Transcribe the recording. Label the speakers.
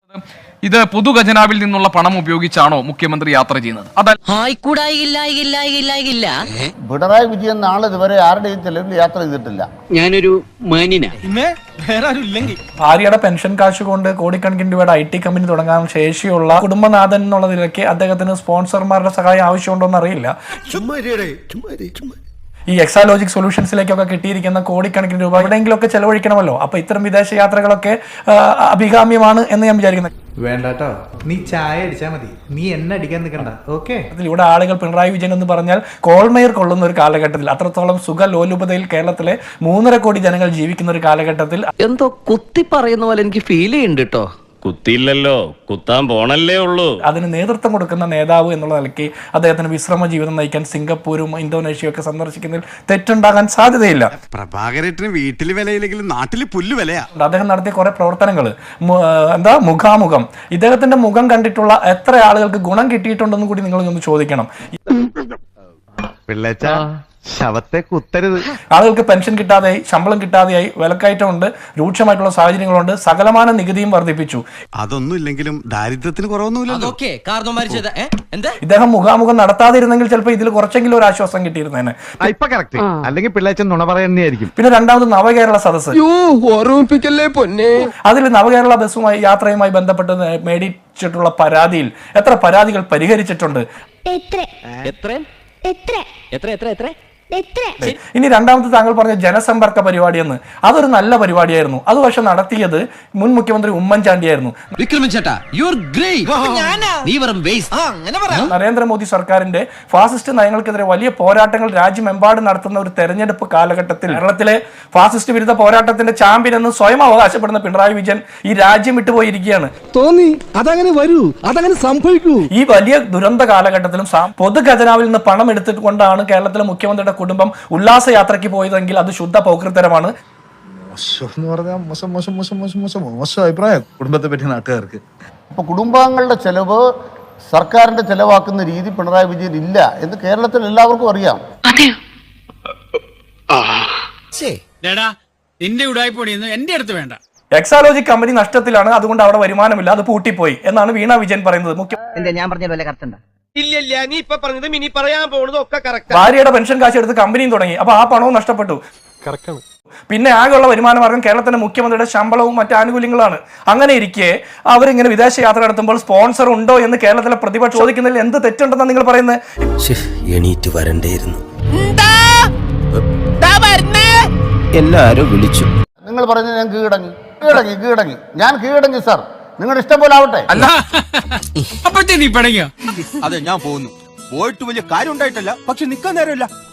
Speaker 1: ഇത് പൊതുഖജനാവിൽ നിന്നുള്ള പണം ഉപയോഗിച്ചാണോ മുഖ്യമന്ത്രി യാത്ര ചെയ്യുന്നത്?
Speaker 2: പിണറായി വിജയൻ നാളെ ഇതുവരെ ആരുടെയും ചെലവിൽ യാത്ര ചെയ്തിട്ടില്ല.
Speaker 3: ഞാനൊരു മാന്യന.
Speaker 4: ഭാര്യയുടെ പെൻഷൻ കാശ് കൊണ്ട് കോടിക്കണക്കിന് രൂപയുടെ IT കമ്പനി തുടങ്ങാൻ ശേഷിയുള്ള കുടുംബനാഥൻ എന്നുള്ള നിലയ്ക്ക് അദ്ദേഹത്തിന് സ്പോൺസർമാരുടെ സഹായം ആവശ്യമുണ്ടോ എന്ന് അറിയില്ല. ഈ എക്സാലോജിക് സൊല്യൂഷൻസിലേക്കൊക്കെ കിട്ടിയിരിക്കുന്ന കോടിക്കണക്കിന് രൂപ എവിടെയെങ്കിലുമൊക്കെ ചെലവഴിക്കണമല്ലോ. അപ്പൊ ഇത്തരം വിദേശ യാത്രകളൊക്കെ അഭികാമ്യമാണ് എന്ന് ഞാൻ വിചാരിക്കുന്നത്.
Speaker 5: വേണ്ടാട്ടോ, നീ ചായ അടിച്ചാ മതി, നീ എണ്ണ അടിക്കാൻ നിൽക്കണ്ട. ഓക്കെ,
Speaker 4: ഇവിടെ ആളുകൾ പിണറായി വിജയൻ എന്ന് പറഞ്ഞാൽ കോൾമേർ കൊള്ളുന്ന ഒരു കാലഘട്ടത്തിൽ, അത്രത്തോളം സുഖലോലുപതയിൽ കേരളത്തിലെ 3.5 കോടി ജനങ്ങൾ ജീവിക്കുന്ന ഒരു കാലഘട്ടത്തിൽ
Speaker 3: എന്തോ കുത്തി പറയുന്ന പോലെ എനിക്ക് ഫീൽ ചെയ്യുന്നുണ്ട് കേട്ടോ.
Speaker 6: കുത്തിയില്ലല്ലോ, കുത്താൻ പോണല്ലേ ഉള്ളൂ.
Speaker 4: അതിന് നേതൃത്വം കൊടുക്കുന്ന നേതാവ് എന്നുള്ള നിലയ്ക്ക് അദ്ദേഹത്തിന് വിശ്രമ ജീവിതം നയിക്കാൻ സിംഗപ്പൂരും ഇന്തോനേഷ്യയും ഒക്കെ സന്ദർശിക്കുന്നതിൽ തെറ്റുണ്ടാകാൻ സാധ്യതയില്ല.
Speaker 7: പ്രഭാകരേട്ടന് വീട്ടിൽ വിലയില്ലെങ്കിലും നാട്ടിൽ പുല്ല് വിലയാ.
Speaker 4: അദ്ദേഹം നടത്തിയ കുറെ പ്രവർത്തനങ്ങൾ, മുഖാമുഖം, ഇദ്ദേഹത്തിന്റെ മുഖം കണ്ടിട്ടുള്ള എത്ര ആളുകൾക്ക് ഗുണം കിട്ടിയിട്ടുണ്ടെന്ന് കൂടി നിങ്ങൾ ഒന്ന് ചോദിക്കണം.
Speaker 7: ശവത്തെ കുത്തരുത്.
Speaker 4: ആളുകൾക്ക് പെൻഷൻ കിട്ടാതെയായി, ശമ്പളം കിട്ടാതെയായി, വിലക്കയറ്റമുണ്ട്, രൂക്ഷമായിട്ടുള്ള സാഹചര്യങ്ങളുണ്ട്, സകലമാന നികുതിയും വർദ്ധിപ്പിച്ചു.
Speaker 7: അതൊന്നും ഇല്ലെങ്കിലും ദാരിദ്ര്യത്തിന് കുറവൊന്നുമില്ലല്ലോ.
Speaker 4: ഇദ്ദേഹം മുഖാമുഖം നടത്താതിരുന്നെങ്കിൽ ചിലപ്പോൾ ഇതിൽ കുറച്ചെങ്കിലും ഒരു ആശ്വാസം കിട്ടിയിരുന്നേനെ.
Speaker 7: അല്ലെങ്കിൽ പിള്ളേച്ചൻ നുണ പറയുന്നതായിരിക്കും.
Speaker 4: പിന്നെ രണ്ടാമത് നവകേരള സദസ്സ്, അതിൽ നവകേരള ബസ്സുമായി യാത്രയുമായി ബന്ധപ്പെട്ട് മേടിച്ചിട്ടുള്ള പരാതിയിൽ എത്ര പരാതികൾ പരിഹരിച്ചിട്ടുണ്ട്? ഇനി രണ്ടാമത്തെ താങ്കൾ പറഞ്ഞ ജനസമ്പർക്ക പരിപാടി എന്ന്, അതൊരു നല്ല പരിപാടിയായിരുന്നു. അത് പക്ഷെ നടത്തിയത് മുൻ മുഖ്യമന്ത്രി ഉമ്മൻചാണ്ടിയായിരുന്നു. നരേന്ദ്രമോദി സർക്കാരിന്റെ ഫാസിസ്റ്റ് നയങ്ങൾക്കെതിരെ വലിയ പോരാട്ടങ്ങൾ രാജ്യമെമ്പാടും നടത്തുന്ന ഒരു തെരഞ്ഞെടുപ്പ് കാലഘട്ടത്തിൽ കേരളത്തിലെ ഫാസിസ്റ്റ് വിരുദ്ധ പോരാട്ടത്തിന്റെ ചാമ്പ്യൻ എന്ന് സ്വയം അവകാശപ്പെടുന്ന പിണറായി വിജയൻ ഈ രാജ്യം വിട്ടുപോയിരിക്കുകയാണ്.
Speaker 8: തോന്നി അതങ്ങനെ വരൂ, അതങ്ങനെ സംഭവിക്കൂ.
Speaker 4: ഈ വലിയ ദുരന്ത കാലഘട്ടത്തിലും പൊതുഖജനാവിൽ നിന്ന് പണം എടുത്തുകൊണ്ടാണ് കേരളത്തിലെ മുഖ്യമന്ത്രിയുടെ കുടുംബം ഉല്ലാസയാത്രയ്ക്ക് പോയതെങ്കിൽ അത് ശുദ്ധ പൗകൃത്തരമാണ്.
Speaker 2: മോശം അഭിപ്രായം കുടുംബത്തെ പറ്റി നാട്ടുകാർക്ക്. അപ്പൊ കുടുംബാംഗങ്ങളുടെ ചെലവ് സർക്കാരിന്റെ ചെലവാക്കുന്ന രീതി പിണറായി വിജയൻ ഇല്ല എന്ന് കേരളത്തിൽ എല്ലാവർക്കും അറിയാം.
Speaker 9: നിന്റെ ഉടായ്പൊടിയൊന്നും എന്റെ അടുത്ത് വേണ്ട.
Speaker 4: എക്സാലോജിക് കമ്പനി നഷ്ടത്തിലാണ്, അതുകൊണ്ട് അവിടെ വരുമാനമില്ല, അത് പൂട്ടിപ്പോയി എന്നാണ് വീണ വിജയൻ പറയുന്നത്.
Speaker 3: ഞാൻ പറഞ്ഞ കറക്റ്റ്.
Speaker 9: ഇല്ല, നീ ഇപ്പൊ പറഞ്ഞതും ഇനി പറയാൻ പോകുന്നതും ഒക്കെ കറക്റ്റ്.
Speaker 4: ഭാര്യയുടെ പെൻഷൻ കാശ് എടുത്ത് കമ്പനിയും തുടങ്ങി, അപ്പൊ ആ പണവും നഷ്ടപ്പെട്ടു. പിന്നെ ആകെയുള്ള വരുമാന മാർഗം കേരളത്തിന്റെ മുഖ്യമന്ത്രിയുടെ ശമ്പളവും മറ്റു ആനുകൂല്യങ്ങളാണ്. അങ്ങനെ ഇരിക്കെ അവരിങ്ങനെ വിദേശ യാത്ര നടത്തുമ്പോൾ സ്പോൺസർ ഉണ്ടോ എന്ന് കേരളത്തിലെ പ്രതിപക്ഷം ചോദിക്കുന്നതിൽ എന്ത് തെറ്റുണ്ടെന്നാണ് നിങ്ങൾ പറയുന്നത്?
Speaker 8: എണീറ്റ് വരണ്ടേയിരുന്നു, എല്ലാരും വിളിച്ചു.
Speaker 2: നിങ്ങൾ പറഞ്ഞത് ഞാൻ കീഴടങ്ങി ഞാൻ കീഴടങ്ങി സാർ, നിങ്ങളുടെ ഇഷ്ടം പോലെ ആവട്ടെ.
Speaker 9: അല്ല അപ്പോഴത്തേ നീ പിണങ്ങിയോ?
Speaker 7: അതെ, ഞാൻ പോകുന്നു. പോയിട്ട് വലിയ കാര്യം ഉണ്ടായിട്ടല്ല, പക്ഷെ നിക്കാൻ നേരമില്ല.